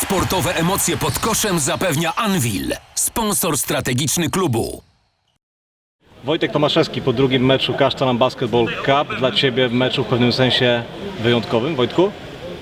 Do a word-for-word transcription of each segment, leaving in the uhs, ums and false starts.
Sportowe emocje pod koszem zapewnia Anwil, sponsor strategiczny klubu. Wojtek Tomaszewski po drugim meczu Kasztan Basketball Cup. Dla Ciebie meczu w pewnym sensie wyjątkowym, Wojtku?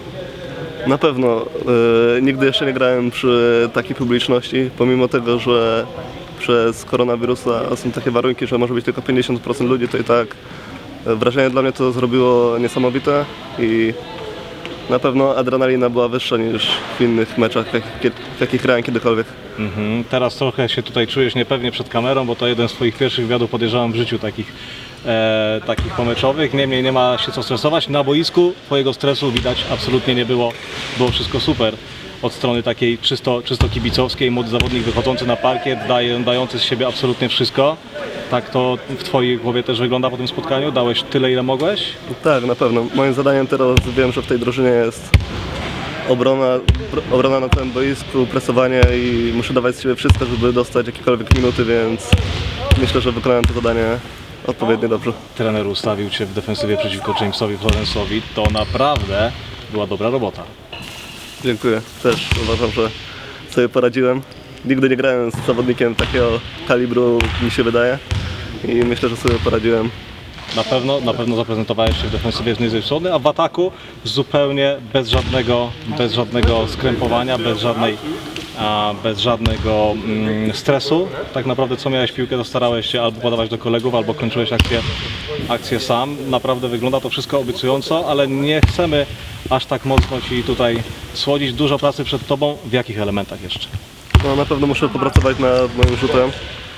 Na pewno. E, nigdy jeszcze nie grałem przy takiej publiczności, pomimo tego, że przez koronawirusa są takie warunki, że może być tylko pięćdziesiąt procent ludzi, to i tak wrażenie dla mnie to zrobiło niesamowite i na pewno adrenalina była wyższa niż w innych meczach, w jakich, w jakich grałem kiedykolwiek. Mhm. Teraz trochę się tutaj czujesz niepewnie przed kamerą, bo to jeden z Twoich pierwszych wywiadów, podejrzewam, w życiu takich, e, takich pomeczowych. Niemniej nie ma się co stresować. Na boisku Twojego stresu widać absolutnie nie było. Było wszystko super. Od strony takiej czysto, czysto kibicowskiej, młody zawodnik wychodzący na parkiet, daje, dający z siebie absolutnie wszystko. Tak to w Twojej głowie też wygląda po tym spotkaniu? Dałeś tyle, ile mogłeś? Tak, na pewno. Moim zadaniem teraz wiem, że w tej drużynie jest obrona, obrona na tym boisku, presowanie i muszę dawać z siebie wszystko, żeby dostać jakiekolwiek minuty, więc myślę, że wykonałem to zadanie odpowiednio dobrze. Trener ustawił Cię w defensywie przeciwko Jamesowi Florence'owi. To naprawdę była dobra robota. Dziękuję. Też uważam, że sobie poradziłem. Nigdy nie grałem z zawodnikiem takiego kalibru, mi się wydaje. I myślę, że sobie poradziłem. Na pewno, na pewno zaprezentowałeś się w defensywie z niezłej strony, a w ataku zupełnie bez żadnego, bez żadnego skrępowania, bez żadnej, a, bez żadnego mm, stresu. Tak naprawdę co miałeś piłkę, to starałeś się albo podawać do kolegów, albo kończyłeś akcję, akcję sam. Naprawdę wygląda to wszystko obiecująco, ale nie chcemy aż tak mocno Ci tutaj słodzić. Dużo pracy przed Tobą. W jakich elementach jeszcze? No, na pewno muszę popracować nad moim rzutem,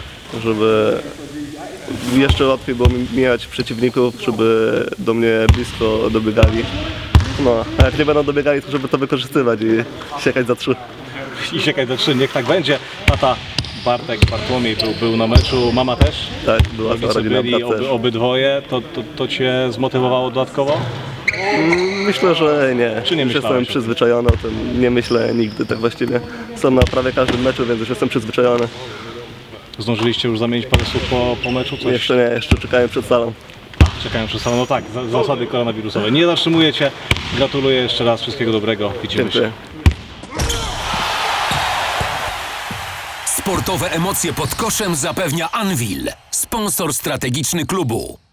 żeby jeszcze łatwiej było mi mijać przeciwników, żeby do mnie blisko dobiegali. No, a jak nie będą dobiegali, to żeby to wykorzystywać i siekać za trzy. I siekaj do trzy, niech tak będzie. Tata Bartek, Bartłomiej był, był na meczu, mama też? Tak, była cała Rodzice rodzina, byli, brat też. oby, obydwoje. To, to, to Cię zmotywowało dodatkowo? Myślę, że nie. Czy nie już myślałeś o jestem tym? przyzwyczajony o tym. Nie myślę nigdy tak właściwie. Są na prawie każdym meczu, więc już jestem przyzwyczajony. Zdążyliście już zamienić parę słów po, po meczu? Coś? Jeszcze nie, jeszcze czekałem przed salą. Czekają przez salę. No tak, za, zasady koronawirusowe. Nie zatrzymuję Cię. Gratuluję jeszcze raz. Wszystkiego dobrego. Widzimy Dziękuję. się. Sportowe emocje pod koszem zapewnia Anwil, sponsor strategiczny klubu.